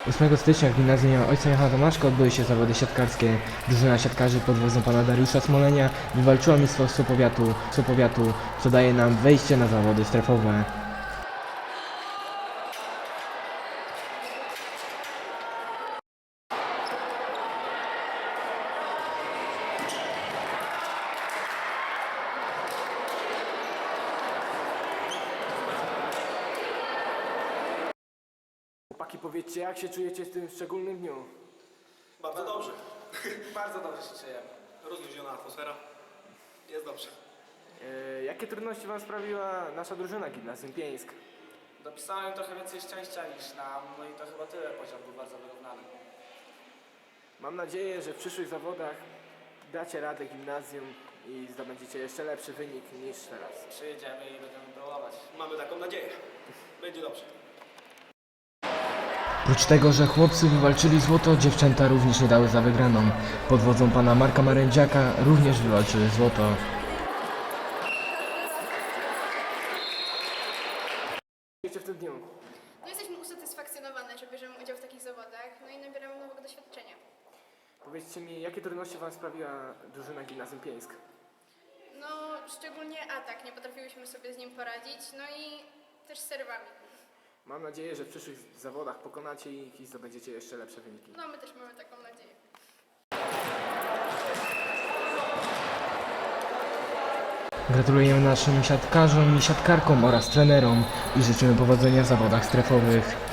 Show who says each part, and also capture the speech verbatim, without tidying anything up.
Speaker 1: ósmego stycznia w gimnazjum ojca Jana Tomaszka odbyły się zawody siatkarskie. Drużyna siatkarzy pod wodzą pana Dariusza Smolenia wywalczyła mistrzostwo powiatu, powiatu, co daje nam wejście na zawody strefowe.
Speaker 2: Chłopaki, powiedzcie, jak się czujecie w tym szczególnym dniu?
Speaker 3: Bardzo dobrze.
Speaker 4: Bardzo dobrze się czujemy.
Speaker 3: Rozluźniona atmosfera. Jest dobrze.
Speaker 2: E, jakie trudności wam sprawiła nasza drużyna Gimnazjum Pieńsk?
Speaker 4: Dopisałem trochę więcej szczęścia niż nam, no i to chyba tyle, poziom był bardzo wyrównany.
Speaker 2: Mam nadzieję, że w przyszłych zawodach dacie radę gimnazjum i zdobędziecie jeszcze lepszy wynik niż teraz.
Speaker 4: Przyjedziemy i będziemy próbować.
Speaker 3: Mamy taką nadzieję. Będzie dobrze.
Speaker 1: Oprócz tego, że chłopcy wywalczyli złoto, dziewczęta również nie dały za wygraną. Pod wodzą pana Marka Marędziaka również wywalczyły złoto.
Speaker 2: Jeszcze w tym dniu.
Speaker 5: No jesteśmy usatysfakcjonowane, że bierzemy udział w takich zawodach, no i nabieramy nowego doświadczenia.
Speaker 2: Powiedzcie mi, jakie trudności wam sprawiła drużyna Gimnazjum Pieńsk?
Speaker 5: No szczególnie atak, nie potrafiłyśmy sobie z nim poradzić, no i też z serwami.
Speaker 2: Mam nadzieję, że w przyszłych zawodach pokonacie ich i zdobędziecie jeszcze lepsze wyniki.
Speaker 5: No my też mamy taką nadzieję.
Speaker 1: Gratulujemy naszym siatkarzom i siatkarkom oraz trenerom i życzymy powodzenia w zawodach strefowych.